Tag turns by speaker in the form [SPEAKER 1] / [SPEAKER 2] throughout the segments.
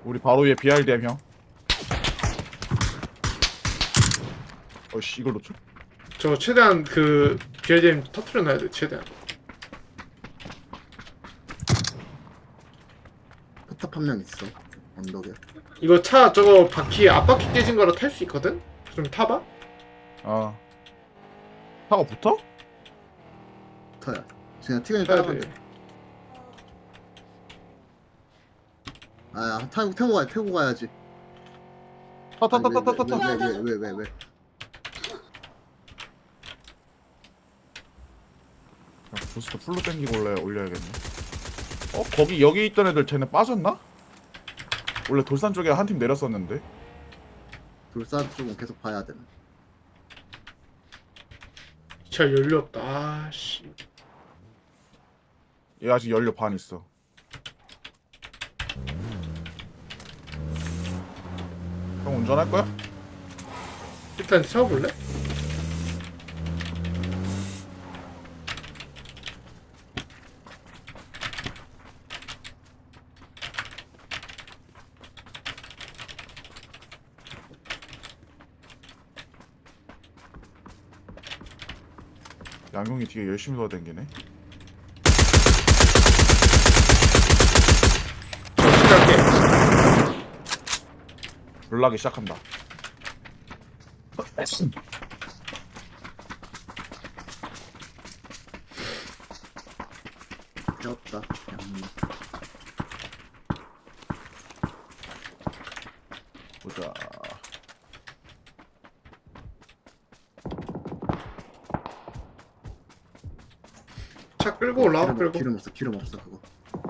[SPEAKER 1] 우리 바로 위에 BRDM 형. 어씨 이걸 놓쳐?
[SPEAKER 2] 저 최대한 그 BRDM 터트려 놔야 돼. 최대한.
[SPEAKER 3] 포탑 한 명 있어. 언덕에.
[SPEAKER 2] 이거 차 저거 바퀴 앞바퀴 깨진 거라 탈 수 있거든? 좀 타봐.
[SPEAKER 1] 아 차가 붙어?
[SPEAKER 3] 터야. 그냥 티건이
[SPEAKER 2] 타야
[SPEAKER 3] 따라가면
[SPEAKER 2] 돼.
[SPEAKER 3] 돼. 아, 태우고 가야지.
[SPEAKER 1] 타타타타타타.
[SPEAKER 3] 왜?
[SPEAKER 1] 부스터 풀로 땡기고 올려야겠네. 거기 여기 있던 애들 쟤네 빠졌나? 원래 돌산 쪽에 한 팀 내렸었는데.
[SPEAKER 3] 돌산 쪽은 계속 봐야 돼.
[SPEAKER 2] 차 연료 없다. 아씨.
[SPEAKER 1] 얘 아직 연료 반 있어. 형 운전할 거야?
[SPEAKER 2] 일단 세워볼래?
[SPEAKER 1] 양용이 뒤에 열심히 돌아다니네.
[SPEAKER 2] 시작할게.
[SPEAKER 1] 놀라기 시작한다.
[SPEAKER 3] 배웠다.
[SPEAKER 1] 보자.
[SPEAKER 2] 차 끌고 올라와. 끌고.
[SPEAKER 3] 기름 없어 그거.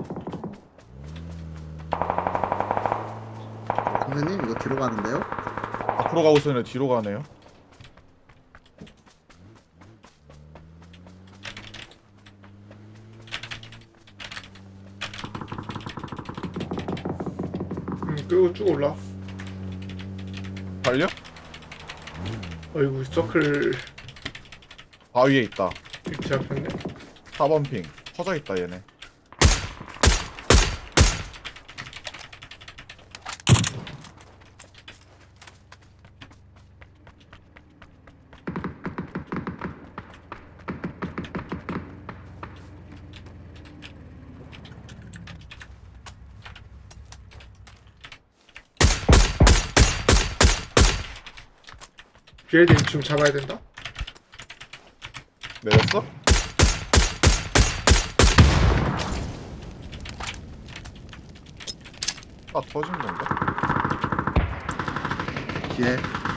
[SPEAKER 3] 선생님 이거 뒤로 가는데요?
[SPEAKER 1] 앞으로 가고 있었는데 뒤로 가네요.
[SPEAKER 2] 끌고 쭉 올라.
[SPEAKER 1] 달려?
[SPEAKER 2] 어이구 서클
[SPEAKER 1] 바위에 있다.
[SPEAKER 2] 위치 잡혔네.
[SPEAKER 1] 4번 핑. 퍼져 있다 얘네.
[SPEAKER 2] BRDM 지금 잡아야 된다.
[SPEAKER 1] 내렸어? 아 터진 건가?
[SPEAKER 3] 뒤에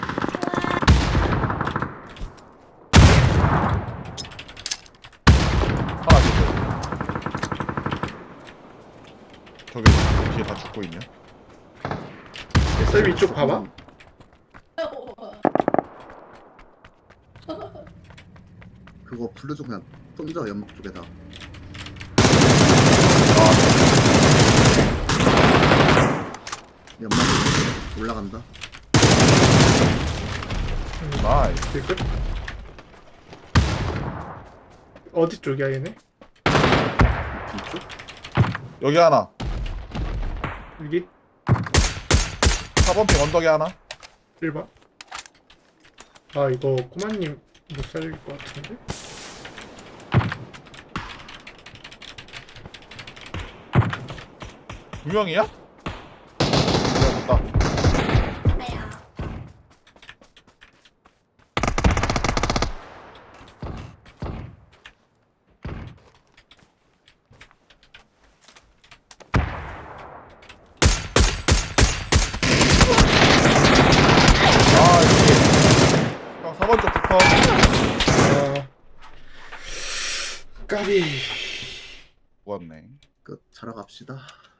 [SPEAKER 1] 하나 둘. 저기 뒤에 다 죽고 있냐?
[SPEAKER 2] 쌤 이쪽 봐봐.
[SPEAKER 3] 그거 블루도 그냥 던져 연막 쪽에다. 연막 올라간다.
[SPEAKER 1] 나이스.
[SPEAKER 2] 뒤끝. 어디 쪽이야 얘네?
[SPEAKER 3] 뒤쪽?
[SPEAKER 1] 여기 하나.
[SPEAKER 2] 여기
[SPEAKER 1] 4번 핑 언덕에 하나.
[SPEAKER 2] 1번. 아 이거 꼬마님 못 살릴 것 같은데?
[SPEAKER 1] 두 명이야? 됐다. 아, 이게. 형, 4번 쪽 붙어.
[SPEAKER 2] 아 까비.
[SPEAKER 1] 좋았네.
[SPEAKER 3] 끝. 자러 갑시다.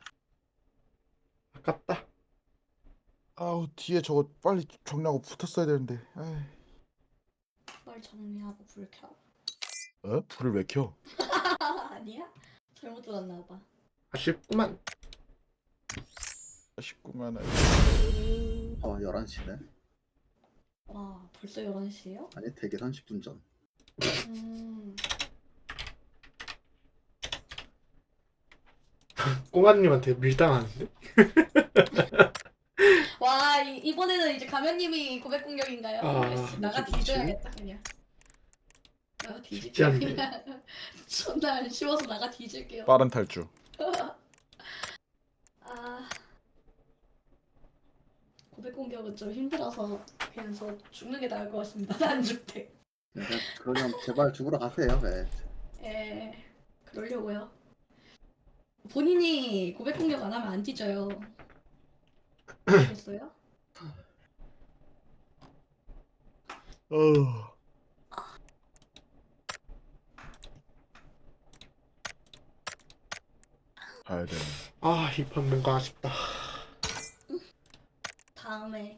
[SPEAKER 2] 아깝다.
[SPEAKER 1] 아우, 뒤에 저거 빨리 정리하고 붙었어야 되는데. 에이.
[SPEAKER 4] 빨리 정리하고 불 켜.
[SPEAKER 1] 불을 왜 켜?
[SPEAKER 4] 아니야? 잘못 들었나 봐.
[SPEAKER 2] 아쉽구만.
[SPEAKER 1] 아쉽구만.
[SPEAKER 3] 11시네.
[SPEAKER 4] 와, 벌써 11시에요?
[SPEAKER 3] 아니 되게 30분 전.
[SPEAKER 2] 꼬마님한테 밀당하는데?
[SPEAKER 4] 와 이번에는 이제 가면님이 고백 공격인가요?
[SPEAKER 2] 아,
[SPEAKER 4] 아이씨, 나가
[SPEAKER 3] 그치, 그치.
[SPEAKER 4] 뒤져야겠다 그냥. 나가
[SPEAKER 2] 쉽지
[SPEAKER 4] 뒤질게요
[SPEAKER 2] 않네.
[SPEAKER 4] 그냥. 존나 안 쉬워서 나가 뒤질게요.
[SPEAKER 1] 빠른 탈주.
[SPEAKER 4] 아 고백 공격은 좀 힘들어서 그냥 저 죽는 게 나을 것 같습니다. 난 죽대.
[SPEAKER 3] 네, 그러면 제발 죽으러 가세요. 네.
[SPEAKER 4] 예, 그러려고요. 본인이 고백 공격 안 하면 안 뒤져요. 알겠어요?
[SPEAKER 1] 어. 가야 돼.
[SPEAKER 2] 아, 이 판 뭔가 아쉽다.
[SPEAKER 4] 다음에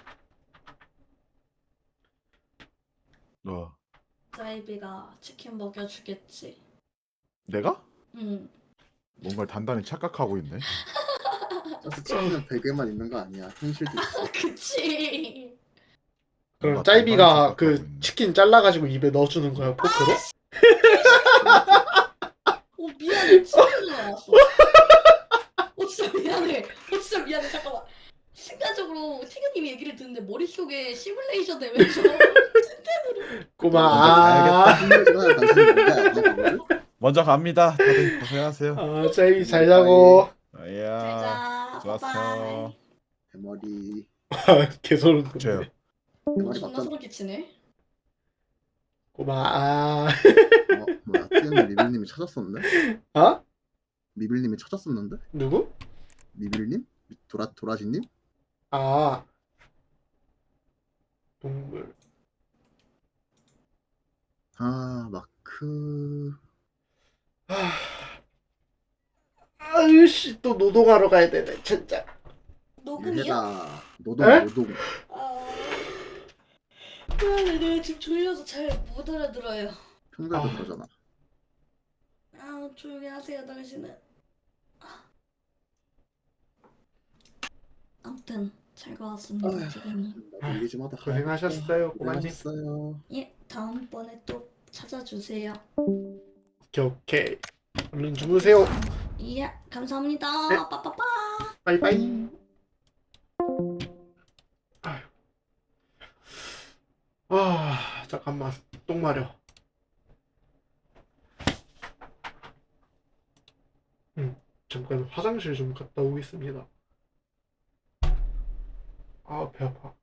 [SPEAKER 1] 어.
[SPEAKER 4] 자이비가 치킨 먹여주겠지.
[SPEAKER 1] 내가?
[SPEAKER 4] 응.
[SPEAKER 1] 뭔가 단단히 착각하고 있네.
[SPEAKER 3] 저스 치킨은 베개만 있는 거 아니야. 현실도 있어.
[SPEAKER 4] 그치.
[SPEAKER 2] 그럼
[SPEAKER 1] 뭔가
[SPEAKER 2] 짜이비가
[SPEAKER 1] 단단히
[SPEAKER 2] 그
[SPEAKER 1] 착각하고 있네.
[SPEAKER 2] 치킨 잘라가지고 입에 넣어주는 거야, 포크로?
[SPEAKER 4] 미안해. 치킨도 나왔어. 진짜 미안해. 진짜 미안해. 잠깐만. 순간적으로 티그님 얘기를 듣는데 머릿속에 시뮬레이션 되면서
[SPEAKER 2] 꼬마,
[SPEAKER 3] 힘들지만 당신은 뭔가 그걸?
[SPEAKER 1] 먼저 갑니다. 다들 고생하세요.
[SPEAKER 2] 아, 짜이비 잘 자고.
[SPEAKER 1] 이야.
[SPEAKER 4] 잘자.
[SPEAKER 1] 좋았어.
[SPEAKER 4] 바이바이.
[SPEAKER 3] 대머리.
[SPEAKER 2] 개소름
[SPEAKER 1] 저요.
[SPEAKER 2] 돋네.
[SPEAKER 3] 대머리
[SPEAKER 4] 존나
[SPEAKER 3] 맞잖아.
[SPEAKER 4] 소름 끼치네.
[SPEAKER 2] 꼬마,
[SPEAKER 3] 뭐야? 찌는 미빌님이 찾았었는데?
[SPEAKER 2] 어?
[SPEAKER 3] 미빌님이 찾았었는데?
[SPEAKER 2] 누구?
[SPEAKER 3] 미빌님? 도라지님?
[SPEAKER 2] 아, 동물.
[SPEAKER 3] 아 마크.
[SPEAKER 2] 아유씨, 또 노동하러 가야 되네, 진짜.
[SPEAKER 4] 녹음이요?
[SPEAKER 3] 유해다. 노동
[SPEAKER 2] 에?
[SPEAKER 3] 노동.
[SPEAKER 4] 내가 지금 졸려서 잘 못 알아들어요.
[SPEAKER 3] 평소에도
[SPEAKER 2] 아.
[SPEAKER 3] 그러잖아.
[SPEAKER 4] 조용히 하세요, 당신은.
[SPEAKER 3] 아.
[SPEAKER 4] 아무튼 즐거웠습니다, 지금.
[SPEAKER 3] 나도 얘기 좀 하다 가야겠다.
[SPEAKER 2] 고생하셨어요, 꼬마님.
[SPEAKER 3] 고생하셨어요.
[SPEAKER 4] 예, 다음번에 또 찾아주세요.
[SPEAKER 2] 오케이. 얼른 주무세요.
[SPEAKER 4] 예, 감사합니다.
[SPEAKER 2] 네.
[SPEAKER 4] 빠빠빠.
[SPEAKER 2] 바이바이. 아휴. 아, 잠깐만. 똥 마려. 잠깐 화장실 좀 갔다 오겠습니다. 아, 배 아파.